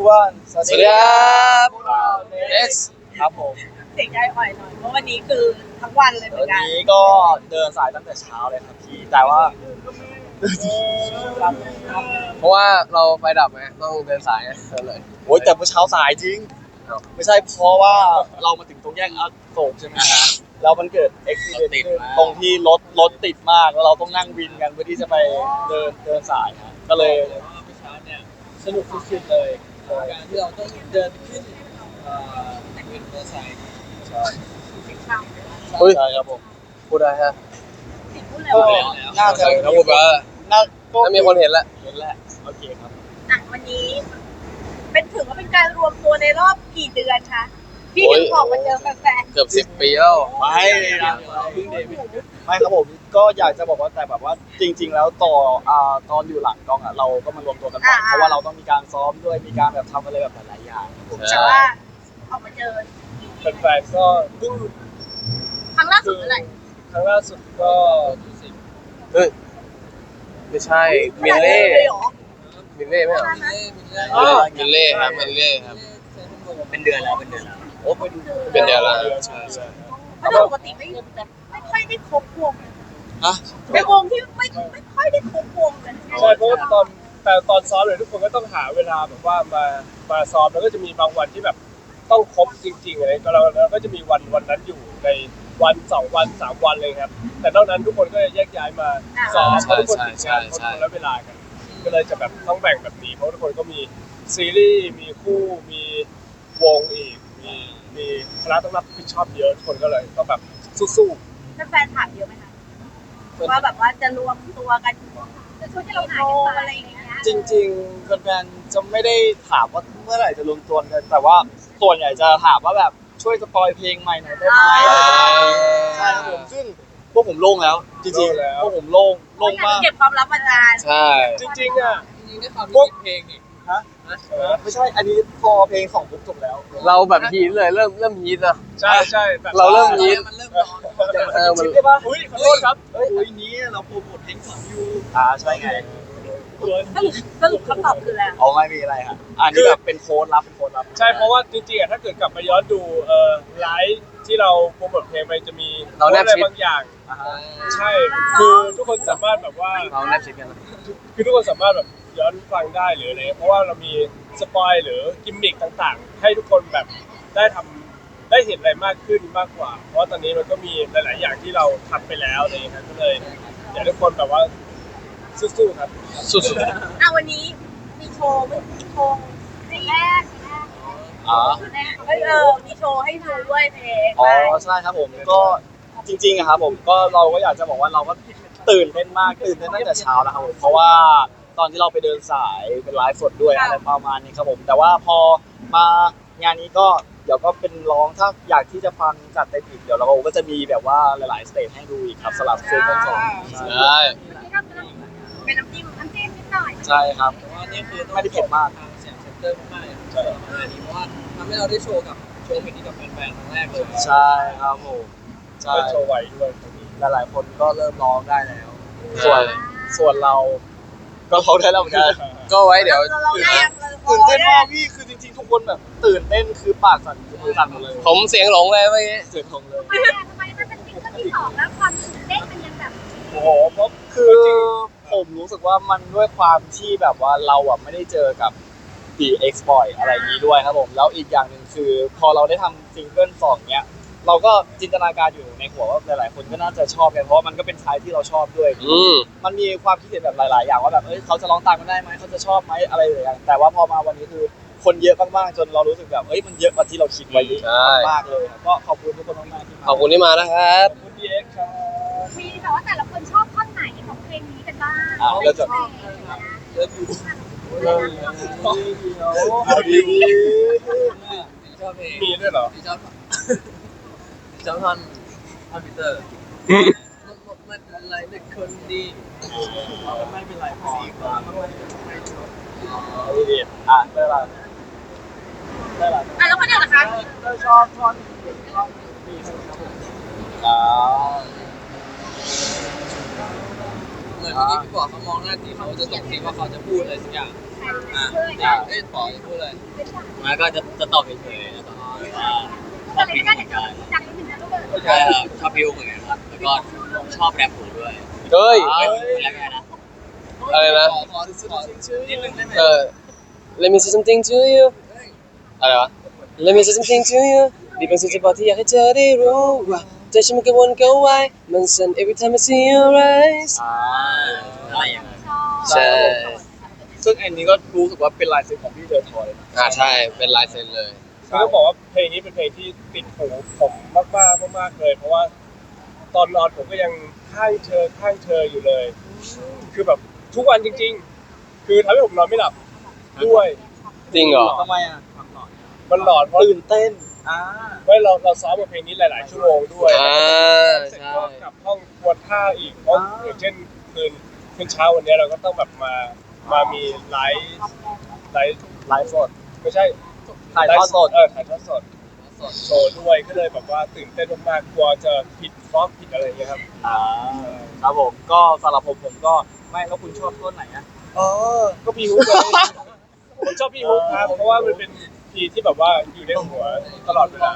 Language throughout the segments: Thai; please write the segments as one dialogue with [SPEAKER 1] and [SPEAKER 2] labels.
[SPEAKER 1] everyone
[SPEAKER 2] สวัสดีครับ
[SPEAKER 1] พวกเรา
[SPEAKER 2] Next
[SPEAKER 1] ครับผม
[SPEAKER 3] เสียงใจอ่อยหน่อยเพราะวันนี้คือทั้งวันเลยเหมื
[SPEAKER 1] วั
[SPEAKER 3] อน นกัน
[SPEAKER 1] นี้ก็เดินสายตั้งแต่เช้าเลยครับพี่แต่ว่า
[SPEAKER 2] เพราะว่าเราไฟดับไงต้องเดินสายเลย
[SPEAKER 1] โอ้ยแต่เมื่อเช้าสายจริง
[SPEAKER 2] เอ้า
[SPEAKER 1] ไม่ใช่เพราะว่าเรามาถึงตรงแยกอโศกใช่ไหมฮะแล้วมันเกิดอุบิเหตุขึ้นตรงที่รถติดมากแล้วเราต้องนั่งวินกันเพื่อที่จะไปเดินสายฮะก็เลย
[SPEAKER 4] เมื่อเช้าเนี่ยสนุกสุดๆเลยการที่เราต้องเดินขึ้นวินมอเตอร์ไซค์
[SPEAKER 1] ใช่
[SPEAKER 2] เฮ้ย
[SPEAKER 1] ใช่ครับผม
[SPEAKER 2] พูดได้ฮะ
[SPEAKER 3] พูดเลย
[SPEAKER 1] ก็
[SPEAKER 3] ว่า
[SPEAKER 1] น่าจะ
[SPEAKER 2] เขาพูดว่า
[SPEAKER 1] น่าก็
[SPEAKER 2] ถ้ามีคนเห็นแล้ว
[SPEAKER 1] เห็นแหละโอเคครับ
[SPEAKER 3] วันนี้ถือว่าเป็นการรวมตัวในรอบกี่เดือนคะพี่ถึงออกมาเจอแฟน
[SPEAKER 2] เกือบ10 ปีแล้ว
[SPEAKER 1] ไม่นะ
[SPEAKER 4] เพิ่งเดบิวต์
[SPEAKER 1] ไม่ครับผมก็อยากจะบอกว่าแต่แบบว่าจริง ๆ แล้วตอนอยู่หลังกล้องอ่ะเราก็มารวมตัวกันบ่อยเพราะว่าเราต้องมีการซ้อมด้วยมีการแบบทำอะไรแบบหลายๆอย่างครับผม
[SPEAKER 3] ๆแต่ว่าออกมาเจอ
[SPEAKER 4] แฟนๆก็เพิ่ง
[SPEAKER 3] ครั้งล่าสุดเมื่อไหร่
[SPEAKER 4] ครั้งล่าสุดก็สิบ
[SPEAKER 2] เฮ้ยไม่ใช่มิลเล่
[SPEAKER 3] เลยเหรอ
[SPEAKER 2] มิลเล่ไหมเหรอ มิลเล่ครับมิลเล่ครับ
[SPEAKER 4] เป็นเดือนแล้วเป็นเดือนแล้ว
[SPEAKER 1] โอ้ไปดู
[SPEAKER 2] เป็นเดือนแล้วใช่ใช่
[SPEAKER 3] เพราะปกติไม่ค่อยได้ครบวง
[SPEAKER 1] ฮะ
[SPEAKER 3] เป็นวงที่ไม่ค่อยได้ครบวงกัน
[SPEAKER 4] ใช่เพราะว่าตอนซ้อมเลยทุกคนก็ต้องหาเวลาแบบว่ามาซ้อมแล้วก็จะมีบางวันที่แบบต้องครบจริงๆอะไรก็เราก็จะมีวันนั้นอยู่ในวัน2 วัน 3 วันเลยครับแต่นอกนั้นทุกคนก็จะแยกย้ายมาซ้อมเพราะทุกคนติดงานคนละเวลากันก็เลยจะแบบต้องแบ่งแบบนี้เพราะทุกคนก็มีซีรีส์มีคู่มีวงอีกมีคณะต้องรับผิดชอบเยอะทุกคนก็เลยต้องแบบสู้ๆ
[SPEAKER 3] แฟนถามเยอะไหมคะว่าแบบว่าจะรวมตัวกันจะช่วยให้เราหายกันอะไรอย่างเงี้ย
[SPEAKER 1] จริงๆแฟนๆจะไม่ได้ถามว่าเมื่อไหร่จะรวมตัวกันแต่ว่าส่วนใหญ่จะถามว่าแบบช่วยสปอยเพลงใหม่หน่อยได้ไหมใช่ครับผมซึ่งพวกผมโล่งแล้วจริงๆพวกผมโล่งมาก
[SPEAKER 3] เก็บความลับมานาน
[SPEAKER 2] ใช่
[SPEAKER 4] จริงๆอ่ะ
[SPEAKER 5] จริงๆด้วยความ
[SPEAKER 4] พวก
[SPEAKER 5] ที่เพลงอีก
[SPEAKER 1] ฮะไม่ใช่อันนี้พอเพลงของปุ๊บจบแล้ว
[SPEAKER 2] เราแบบฮีทเลยเริ่มฮีทนะ
[SPEAKER 4] ใช่แบบ
[SPEAKER 2] เราเริ่มฮีท
[SPEAKER 5] มันเริ่มร้อน
[SPEAKER 2] มัน
[SPEAKER 1] ชิปได้ปะ
[SPEAKER 4] อุ้ยขอโทษครับ
[SPEAKER 1] เฮ้ยนี้เราโปรโมทเพลงของยูใช่ไง
[SPEAKER 3] สรุปคำตอบคืออะไร
[SPEAKER 1] เอาไม่มีอะไรฮะอันนี้แบบเป็นโค้ดลับเป็นโค้ดลับ
[SPEAKER 4] ใช่เพราะว่าจริงๆอ่ะถ้าเกิดกลับไปย้อนดูไลฟ์ที่เราโปรโมทเพลงไปจะมี
[SPEAKER 2] เราแนบ
[SPEAKER 4] อะไร
[SPEAKER 2] ชิด
[SPEAKER 4] บางอย่าง
[SPEAKER 1] อ่าฮะ
[SPEAKER 4] ใช่คือทุกคนสามารถแบบว่า
[SPEAKER 2] เราแนบชิดกันนะ
[SPEAKER 4] คือทุกคนสามารถแบบย้อนฟังได้หรืออะไรเพราะว่าเรามีสปอยหรือกิมมิคต่างๆ ให้ทุกคนแบบได้เห็นอะไรมากขึ้นมากกว่า เพราะว่าตอนนี้มันก็มีหลายๆอย่างที่เราทำไปแล้วอะไรอย่างเงี้ยก็เลยอยากให้ทุกคนแบบว่าสู้ๆครับ
[SPEAKER 2] สุด
[SPEAKER 3] วันนี้มีโชว์เพลงแรก
[SPEAKER 1] อ๋อ
[SPEAKER 3] มีโชว์ให้ดูด้วยเพลง
[SPEAKER 1] อ๋อใช่ครับผมก็จริงๆอะครับผมก็เราก็อยากจะบอกว่าเราก็ตื่นเต้นมากตื่นเต้นตั้งแต่เช้าแล้วครับผมเพราะว่าตอนที่เราไปเดินสายเป็นไลฟ์สดด้วยอะไรประมาณนี้ครับผมแต่ว่าพอมางานนี้ก็เดี๋ยวก็เป็นร้องถ้าอยากที่จะฟังจัดเต็มอีกเดี๋ยวเราก็จะมีแบบว่าหลายๆสเตจให้ดูอีกครับสลับเซนทั้งสอง
[SPEAKER 2] ใช่
[SPEAKER 3] เป็นน้ำจิ้มนิดหน่อย
[SPEAKER 1] ใช่ครับ
[SPEAKER 5] แต่ว่านี่คือ
[SPEAKER 1] ไม่ได้เผ็ดมาก
[SPEAKER 5] ทางเสียงเซ็นเตอร์มากๆเลยสำหรับงานนี้เพราะว่าทำให้เราได้โชว์เพลงนี้กับแฟนๆครั้งแรกเลย
[SPEAKER 1] ใช่ครับผมใช่
[SPEAKER 4] เป็นโชว์ไหวด้วยตรงนี้
[SPEAKER 1] หลายๆคนก็เริ่มร้องได้แล้ว ส่วนเราก็ร้องได้แล้วเหมือนกัน
[SPEAKER 2] ก็ไว้เดี๋ยว
[SPEAKER 3] เราได้
[SPEAKER 1] ตื่นเต้นมากพี่คือจริงๆทุกคนแบบตื่นเต้นคือปากสั่นมือสั่นหมดเลย
[SPEAKER 2] ผมเสียงหลงเลยเมื่อกี้
[SPEAKER 1] เสียงของเลย
[SPEAKER 3] ทำไมมันเป็นซิงเกิลที่สองแล้วความตื่นเต้นมันยังแบบ
[SPEAKER 4] โอ้โหเพราะ
[SPEAKER 1] คือผมรู้สึกว่ามันด้วยความที่แบบว่าเราอ่ะไม่ได้เจอกับ DX Boy อะไรอย่างนี้ด้วยครับผมแล้วอีกอย่างหนึ่งคือพอเราได้ทำซิงเกิลสองเนี้ยเราก็จินตนาการอยู่ในหัวว่าหลายๆคนก็น่าจะชอบกันเพราะมันก็เป็นชายที่เราชอบด้วย มันมีความคิดเห็นแบบหลาย ๆ อย่างว่าแบบเขาจะร้องตามกันได้ไหมเขาจะชอบไหมอะไรอย่าง แต่ว่าพอมาวันนี้คือคนเยอะมากๆจนเรารู้สึกแบบมันเยอะกว่าที่เราคิดไว้เยอะมากเลยก็ขอบคุณทุกคนมากๆที่มา
[SPEAKER 2] ขอบคุณที่มานะครับ
[SPEAKER 4] คุณ DX ครับ
[SPEAKER 3] มีแต่ว่าแต่ละคนชอบท่อนไหนของเพลงนี้กันบ้าง
[SPEAKER 1] แล้วจะ
[SPEAKER 5] เลิฟยู ชอบเพลง
[SPEAKER 4] มีด้วยเหรอ
[SPEAKER 5] ชอบท่อนพีเตอร์มันอะไรเด็กคนดี
[SPEAKER 1] ไม่เป็นไรพอดีได้ละ
[SPEAKER 3] แล้วคนอื่นล่ะคะ
[SPEAKER 1] ชอบท่อนดีครับผม
[SPEAKER 5] เหมือนเมื่อกี้พี่บอกเขามองหน้าที่เขาจะส่งทีว่าเขาจะพูดอะไรสักอย่างอย่างปอจะพูดอะไรมาก็จะตอบเฉยๆแล้วก็ชอบพิวเหมือนกันใช่ครับชอบพิวเหมือนกันครับแล้วก็ชอบแรปหูด้วย
[SPEAKER 2] เฮ้ย
[SPEAKER 5] แล้วไงนะ
[SPEAKER 2] อะไรนะ
[SPEAKER 5] ขอนิดนึงได้ไหม
[SPEAKER 2] Let me say something to you อะไรวะ Let me say something to you นี่เป็นสิ่งที่บอกที่อยากให้เธอได้รู้ว่าใจฉันมันกังวลกังวายมันสั่น every time I see your eyes
[SPEAKER 5] อะไรอย่างเงี้ย
[SPEAKER 2] ใช่
[SPEAKER 1] ซึ่งอันนี้ก็รู้สึกว่าเป็นลายเซ็นของพี่เดอะทอยนะ
[SPEAKER 2] ใช่เป็นลายเซ็นเลย
[SPEAKER 4] คือต้องบอกว่าเพลงนี้เป็นเพลงที่ติดหูผมมากเลยเพราะว่าตอนนอนผมก็ยังข้างเธออยู่เลย คือแบบทุกวันจริงๆ คือทำให้ผมนอนไม่หลับด้วย
[SPEAKER 2] จริงเหรอ
[SPEAKER 1] ทำไมอ่ะ
[SPEAKER 4] มันหลอนเพราะ
[SPEAKER 1] ตื่นเต้น
[SPEAKER 4] ไม่เราซ้อมกับเพลงนี้หลายๆชั่วโมงด้วย เสร็จ
[SPEAKER 2] ใช่
[SPEAKER 4] ก็กลับห้องทวนท่าอีกเพราะอย่างเช่นคืนเช้าวันนี้เราก็ต้องแบบมามีไลฟ์
[SPEAKER 1] สด
[SPEAKER 4] ไม่ใช่
[SPEAKER 1] ถ่ายทอดสด
[SPEAKER 4] ถ่ายทอดสดโชว์ด้วยก็เลยแบบว่าตื่นเต้นมากๆกลัวจะผิดฟ้องผิดอะไรอย่างเงี้ยครับ
[SPEAKER 1] ครับผมก็สำหรับผมก็ไม่แล้วคุณชอบต้นไหนอ่ะ
[SPEAKER 4] ก็พี่ฮุกเลยผมชอบพี่ฮุกครับเพราะว่ามันเป็นพีที่แบบว่าอยู่ในหัวตลอดเวลา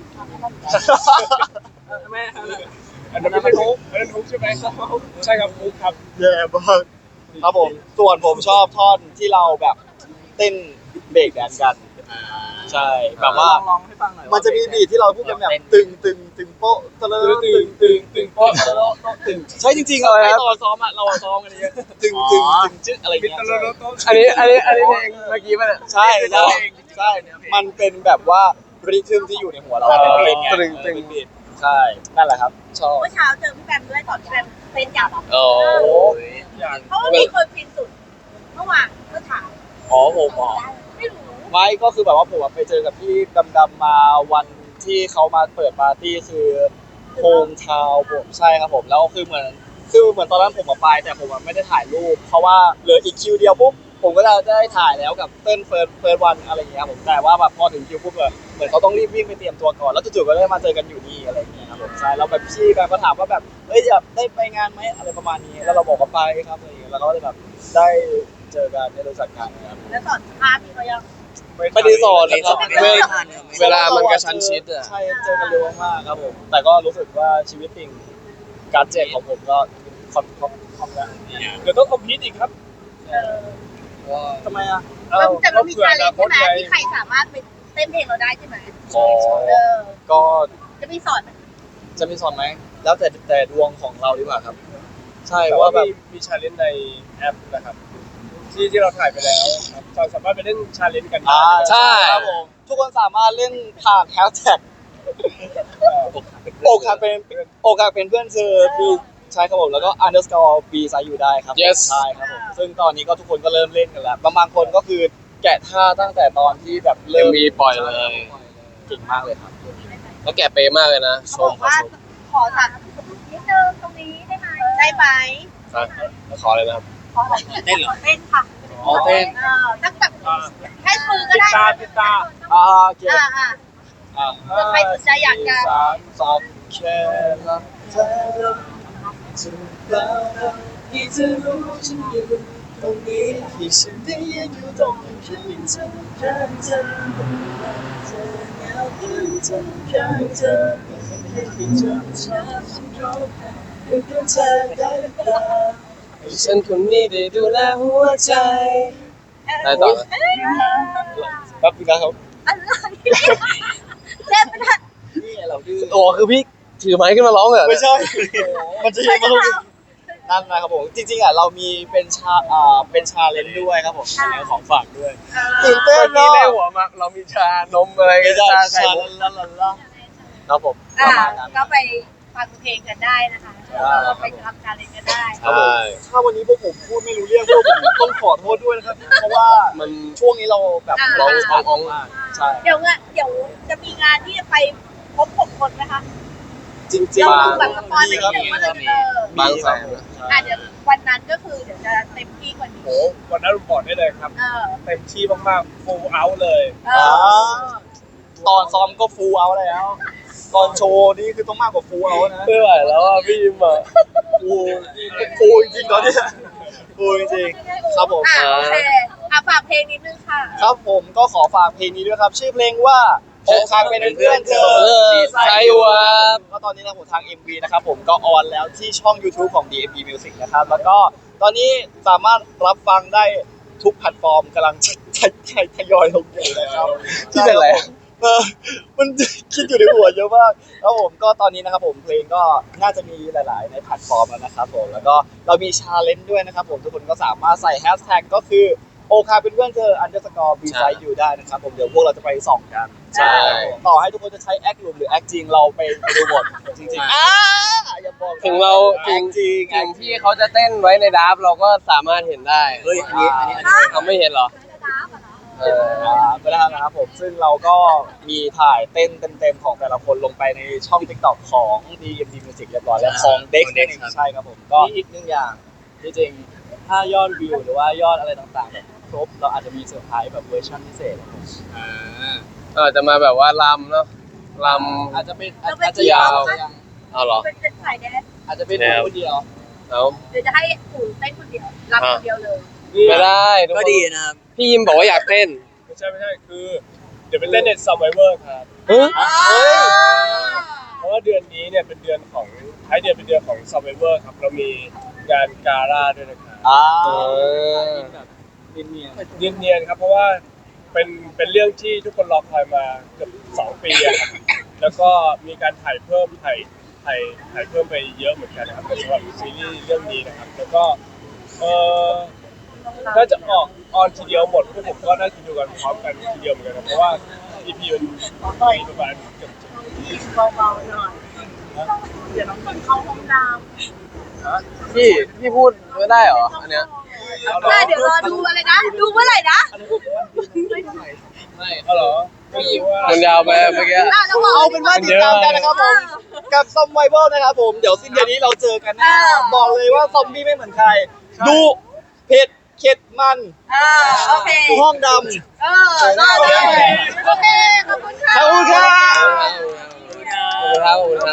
[SPEAKER 1] แม่
[SPEAKER 4] อันนั้นไม่ใช่ฮุกอันนั้นฮุกใช่ไหมใช่ครับฮุกครับ
[SPEAKER 1] แย่มากครับผมส่วนผมชอบท่อนที่เราแบบเต้นเบรกแดนกันใช่แบบว่าลองให้ฟังหน่อยมันจะมีบีทที่เราพูดกันแบบตึงโป๊ะตะลึงตึงโป๊ะตึงใช่จริงๆเลยครับตอนซ้อมอ่ะเราซ้อมกันเยอะตึงจึ๊กอะไรเงี้ย
[SPEAKER 2] อันนี้เพลงเมื่อกี้ป่ะเนี่ย
[SPEAKER 1] ใช่มันเป็นแบบว่าริทึมที่อยู่ในหัวเราเป็นไงเป็นบีทใช่นั่นแหละครับชอบ
[SPEAKER 3] เมื่อเช้าเจอพี่แบมด้วยก่อนพี่แบมเป็นอย่างไร
[SPEAKER 2] โอ้
[SPEAKER 3] เพราะว่ามีคนพินสุดเมื่อวานเมื่อเช้า
[SPEAKER 1] ผม
[SPEAKER 3] ไม่รู้
[SPEAKER 1] ไม่ก็คือแบบว่าผมไปเจอกับพี่ดำๆมาวันที่เขามาเปิดปาร์ตี้คือโฮมทาวน์ผมใช่ครับผมแล้วคือเหมือนตอนนั้นผมมาไปแต่ผมไม่ได้ถ่ายรูปเพราะว่าเหลืออีกคิวเดียวปุ๊บผมก็จะได้ถ่ายแล้วกับเต้นเฟิร์สวันอะไรอย่างเงี้ยผมแต่ว่าแบบพอถึงคิวปุ๊บเหมือนเขาต้องรีบวิ่งไปเตรียมตัวก่อนแล้วจู่ๆก็ได้มาเจอกันอยู่นี่อะไรอย่างเงี้ยครับผมใช่แล้วแบบพี่แบบก็ถามว่าแบบอยากได้ไปงานไหมอะไรประมาณนี้แล้วเราบอกว่าไปครับอะไรอย่างเงี้ยแล้วก็เลยแบบได้เจอกันได้รู้จักกันครับ
[SPEAKER 3] แล้วสอนภาพที่เขายัง
[SPEAKER 1] ไม่ได้สอนนะครับ
[SPEAKER 2] เวลามันกระชั้นชิดอ่ะ
[SPEAKER 1] ใช่เจอกันเร็วมากครับผมแต่ก็รู้สึกว่าชีวิตจริงการเจ็บของผมก็คอมแล้ว
[SPEAKER 4] เดี๋ยวต้องคอมพิวต์อีกครับ
[SPEAKER 1] ทำไมอ่ะ
[SPEAKER 3] แต่มันมีชาเลนจ์ใช่ไหมที่ใครสามารถไปเต้นเพลงเราได้ใช่ไหมก็ จะมีสอนไหม
[SPEAKER 1] จะมีสอนไหมแล้วแต่ดวงของเราดีกว่าครับ ใช่ว่าแบบ
[SPEAKER 4] มีชาเลนจ์ในแอปนะครับที่เราถ่ายไปแล้วครับเราสามารถไปเล่นชาเลนจ์กันได้
[SPEAKER 2] ใช่
[SPEAKER 1] ครับผมทุกคนสามารถเล่นผ่านแฮชแท็กอกหักเป็นเพื่อนเธอปีใช่ครับผมแล้วก็ underscore b ไซอยู่ได้ครับ
[SPEAKER 2] Yes
[SPEAKER 1] ใช่ครับผมซึ่งตอนนี้ก็ทุกคนก็เริ่มเล่นกันแล้วบางคนก็คือแกะท่าตั้งแต่ตอนที่แบบเริ่ม
[SPEAKER 2] MV ปล่อยเลย
[SPEAKER 1] เก่งมากเลยครับ
[SPEAKER 2] แล้วแกเป๊ะมากเลยนะช
[SPEAKER 3] เขาบ
[SPEAKER 2] ม
[SPEAKER 3] อกว่าขอสั่งนิดนึงตรงนี้ได้ไหมได้ไหม
[SPEAKER 2] ขอเลยนะครับ
[SPEAKER 3] ขอเต้นเหรอเต้นค่ะตั้งแบบแค่มือก็ได้
[SPEAKER 4] ติดตา
[SPEAKER 1] โอเค
[SPEAKER 3] ใครสนใจอยากจะ
[SPEAKER 1] สองแค่รักเธอจะเปล่าที่เธอรู้ฉันอยู่ตรงนี้ที่ฉันได้ยืนอยู่ตรงนี้เพียงเธอข้างเธอเธอเหงาเพียงเธอข้างเธอเพียงเธอฉันร้องไห้เพียงเธอได้หรือเปล่า
[SPEAKER 2] ฉันคนนี้ได้ดูแลหัวใจได้ต่อไหม
[SPEAKER 1] แป๊บนึงนะครับ
[SPEAKER 3] เล่นไม่ได้
[SPEAKER 1] นี่เราดื้อ
[SPEAKER 2] โอ้คือพี่ถือไม้ขึ้นมาร้องเหรอ
[SPEAKER 1] ไม่ใช่ มันจะยังไม่นั่นนะครับผมจริงๆเรามีเป็นชาเลนจ์ด้วยครับผมเป็นของฝากด้วยตื่นเต้น
[SPEAKER 2] พี่
[SPEAKER 1] เนาะ
[SPEAKER 2] ในหัวมาเรามีชานมอะไร
[SPEAKER 1] ไม่
[SPEAKER 2] กัน
[SPEAKER 1] ใช่
[SPEAKER 2] ชาไข่
[SPEAKER 1] ชา
[SPEAKER 2] มุก
[SPEAKER 1] ลาครับผมประมาณนั้น
[SPEAKER 3] ก็ไปฟังเพลงกันได้นะคะไปทำการเล่นกันได้
[SPEAKER 1] ครับผมถ้าวันนี้พวกผมพูดไม่รู้เรื่องพวกผมต้องขอโทษด้วยนะครับเพราะว่า
[SPEAKER 2] มัน
[SPEAKER 1] ช่วงนี้เราแบบ
[SPEAKER 2] ร้องอ่อง
[SPEAKER 1] มากใช่
[SPEAKER 3] เดี๋ยวจะมีงานที่จะไปพบ6 คนไหมคะ
[SPEAKER 1] จริง
[SPEAKER 3] เรา
[SPEAKER 1] ๆ
[SPEAKER 3] แบบสปอยล์ไปนิดนึงว่าเราจะ
[SPEAKER 2] บางแสน
[SPEAKER 3] เดี๋ยววันนั้นก็คือเดี๋ยวจะเต็มที่กว่านี้
[SPEAKER 4] โอ้วันนั้นผมบอกได้เลยครับ เต็มที่มากๆ full out เลย
[SPEAKER 1] ตอนซ้อมก็ฟูลเอาแล้วตอนโชว์นี่คือต้องมากกว่าฟูเอานะ
[SPEAKER 2] ไม่ไหวแล้วอ่ะพี่ยิมอ่ะ
[SPEAKER 1] ฟูจริงๆตอนนี้ฟูจริงๆครับผม
[SPEAKER 3] โอเคฝากเพลงนิดนึงค่ะ
[SPEAKER 1] ครับผมก็ขอฝากเพลงนี้ด้วยครับ ชื่อเพลงว่าอกหักเป็นเพื่อนเธอ
[SPEAKER 2] ใช่วะ
[SPEAKER 1] ก็ตอนนี้นะผมทาง MV นะครับผมก็ออนแล้วที่ช่อง YouTube ของ DMB Music นะครับแล้วก็ตอนนี้สามารถรับฟังได้ทุกแพลตฟอร์มกำลังทยอยลงอยู่นะครับ
[SPEAKER 2] ที่เป็นอะไร
[SPEAKER 1] มันคิดอยู่ในหัวเยอะมากแล้วผมก็ตอนนี้นะครับผมเพลงก็น่าจะมีหลาย ๆ ในแพลตฟอร์มแล้วนะครับผมแล้วก็เรามีชาเลนจ์ด้วยนะครับผมทุกคนก็สามารถใส่แฮชแท็กก็คือโอคาเป็นเพื่อนเธอ _ beside you ได้นะครับผมเดี๋ยวพวกเราจะไปส่องกัน
[SPEAKER 2] ใช่
[SPEAKER 1] ต่อให้ทุกคนจะใช้แอคหลุมหรือแอคจริงเราไปดูหมดจริงๆอย่าบอกนะ
[SPEAKER 2] ถึงเรา
[SPEAKER 1] แอคจริง
[SPEAKER 2] ถึงที่เขาจะเต้นไว้ในดับเราก็สามารถเห็นได้
[SPEAKER 5] เฮ้ยอันนี้
[SPEAKER 2] เราไม่เห็นเหรอเออ
[SPEAKER 1] ก็ได้นะครับผมซึ่งเราก็มีถ่ายเต้นเต็มๆของแต่ละคนลงไปในช่อง TikTok ของ DMD Music เรียบร้อยแล้วของ Dex นั่นเองใช่ครับผมก็
[SPEAKER 6] มีอีกหนึ่งอย่างที่จริงถ้ายอดวิวหรือว่ายอดอะไรต่างๆเนี่ยครบเราอาจจะมีเซอร์ไพรส์แบบเวอร์ชันพิเศษครับผม
[SPEAKER 2] จะมาแบบว่าลำเนาะล
[SPEAKER 6] อาจจะเป็น
[SPEAKER 3] เราเป็น
[SPEAKER 6] อาจจะยาว
[SPEAKER 3] ทีม
[SPEAKER 2] เอาเหรอ
[SPEAKER 3] เป็นสายแดนซ์
[SPEAKER 6] อาจจะเป็นคนเดียว
[SPEAKER 2] เอา
[SPEAKER 3] หรือจะให้ปู่เต้นคนเดียวรับคนเดียวเลย
[SPEAKER 2] ไม่ได้ทุก
[SPEAKER 5] ก็
[SPEAKER 2] คน
[SPEAKER 5] ดีนะครับ
[SPEAKER 2] พี่ยิมบอกว่าอยากเต้น
[SPEAKER 4] ไม่ใช่คือเดี๋ยวไปเต้นใน Survivor ครับ
[SPEAKER 2] เฮ้ย
[SPEAKER 4] เพราะว่าเดือนนี้เนี่ยเป็นเดือนของท้ายเดือนเป็นเดือนของ Survivor ครับเรามีงานกาล่าด้วยนะครับ
[SPEAKER 2] เออ
[SPEAKER 6] แบบเนียน
[SPEAKER 4] เนียนๆครับเพราะว่าเป็นเรื่องที่ทุกคนรอคอยมาเกือบ2 ปีอะครับแล้วก็มีการถ่ายเพิ่มไปเยอะเหมือนกันนะครับสำหรับซีรีส์เรื่องนี้นะครับแล้วก็น่าจะออนทีเดียวหมดพวกผมก็น่าจะดูกันพร้อมกันทีเดียวเหมือนกันครับเพราะว่า EP มันมีประมาณเกือบ
[SPEAKER 3] เบาๆหน่อยเดี๋ยวน้องคนเข้าห้องน้
[SPEAKER 2] พี่พูดไม่ได้เหรออันเนี้ย
[SPEAKER 3] ำได้เดี๋ยวรอดูอะไรนะดูเมื่อไหร่นะ
[SPEAKER 6] ไม่
[SPEAKER 4] เอาเหรอไม่รู้ว่า
[SPEAKER 2] มันยาวไปเมื่อกี้
[SPEAKER 3] แล้วบอก
[SPEAKER 1] เอาเป็นว่าติดตามกันนะครับผมกับซอมไวเบิลนะครับผมเดี๋ยวสิ้นเดือนนี้เราเจอกันแน่นอนบอกเลยว่าซอมบี้ไม่เหมือนใครดูเผ็ดเข็ดมัน
[SPEAKER 3] โอเค
[SPEAKER 1] ห้องดำ
[SPEAKER 3] รอดูโอเคขอบคุณค่ะ
[SPEAKER 1] ขอบคุณครับ
[SPEAKER 2] ขอบคุณครับ